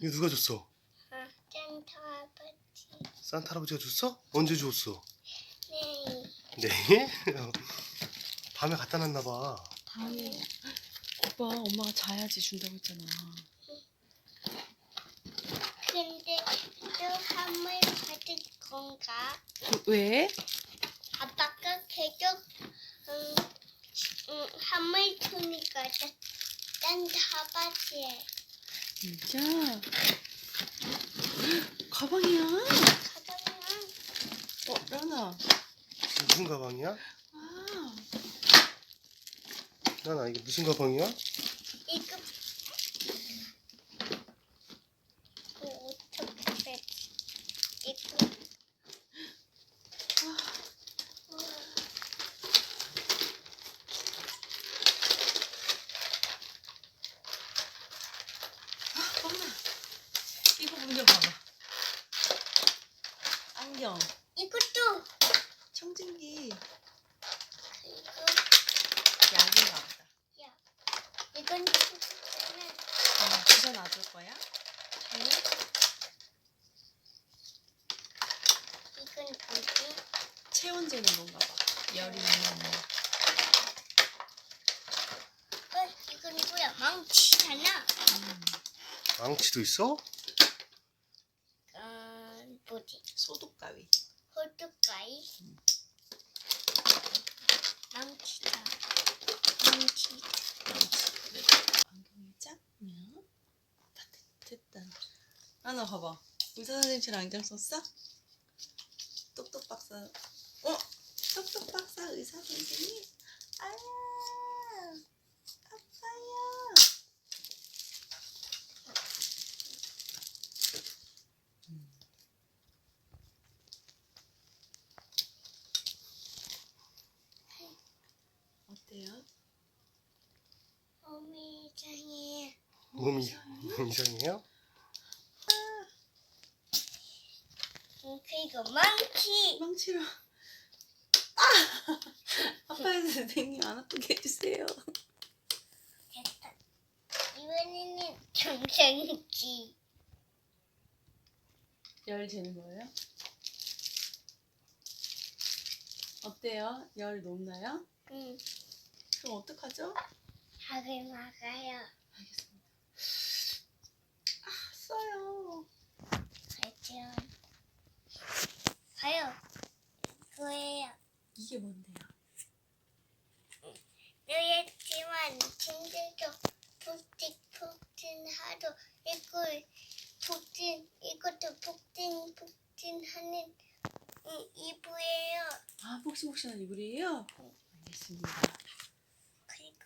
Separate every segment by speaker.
Speaker 1: 이거 누가 줬어?
Speaker 2: 산타 할아버지.
Speaker 1: 산타 할아버지가 줬어? 언제 줬어?
Speaker 2: 네.
Speaker 1: 네? 밤에 갖다 놨나 봐.
Speaker 3: 다음에 오빠 엄마가 자야지 준다고 했잖아.
Speaker 2: 근데 또 선물 받을 건가?
Speaker 3: 왜?
Speaker 2: 아빠가 계속 선물 주니까 산타 할아버지에
Speaker 3: 진짜? 가방이야?
Speaker 2: 가방은
Speaker 3: 라나.
Speaker 1: 무슨 가방이야?
Speaker 3: 아,
Speaker 1: 나나 이게 무슨 가방이야?
Speaker 2: 이거 어떻게 이거
Speaker 3: 라나. 이거 먼저 봐봐. 안경,
Speaker 2: 이것도
Speaker 3: 청진기,
Speaker 2: 그리고
Speaker 3: 약인가 보다.
Speaker 2: 야 이건 주스는
Speaker 3: 부서 놔줄 거야?
Speaker 2: 이건 뭐지?
Speaker 3: 체온 재는 건가 봐. 열이 있는.
Speaker 2: 이건 뭐야? 망치잖아.
Speaker 1: 망치도 있어?
Speaker 2: 뭐지?
Speaker 3: 소독 가위.
Speaker 2: 호두과일. 망치다. 망치.
Speaker 3: 그래. 안경이 작냐? 다 됐다. 라나 봐봐. 의사 선생님처럼 안경 썼어? 똑똑 박사. 똑똑 박사 의사 선생님. 아야, 아파요. 어때요?
Speaker 2: 몸이 이상해.
Speaker 1: 몸이 이상해요?
Speaker 2: 그리고 망치.
Speaker 3: 망치로. 아파요 선생님, 안 아프게 해주세요.
Speaker 2: 됐다. 이번에는 정상지.
Speaker 3: 열 재는 거예요? 어때요? 열 높나요?
Speaker 2: 응.
Speaker 3: 그럼 어떡하죠?
Speaker 2: 학을 막아요.
Speaker 3: 알겠습니다. 써요.
Speaker 2: 알죠. 가요. 그거예요.
Speaker 3: 이게 뭔데요?
Speaker 2: 너였지만 힘들죠. 푹직푹직하도 이것도 푹직푹직하는 이브예요.
Speaker 3: 아, 폭신폭신한 이불이에요? 알겠습니다.
Speaker 2: 그리고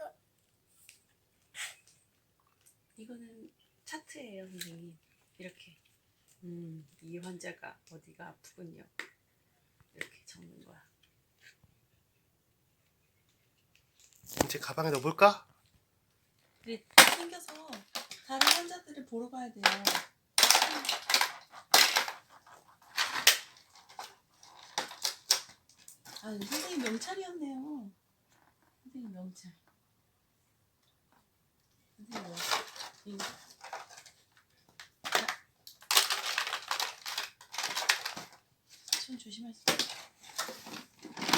Speaker 3: 이거는 차트예요, 선생님. 이렇게. 이 환자가 어디가 아프군요. 이렇게 적는 거야.
Speaker 1: 이제 가방에 넣어볼까?
Speaker 3: 우리 생겨서 다른 환자들을 보러 가야 돼요. 아, 선생님 명찰이었네요. 선생님 명찰. 선생님 명찰. 이거. 손 조심하세요.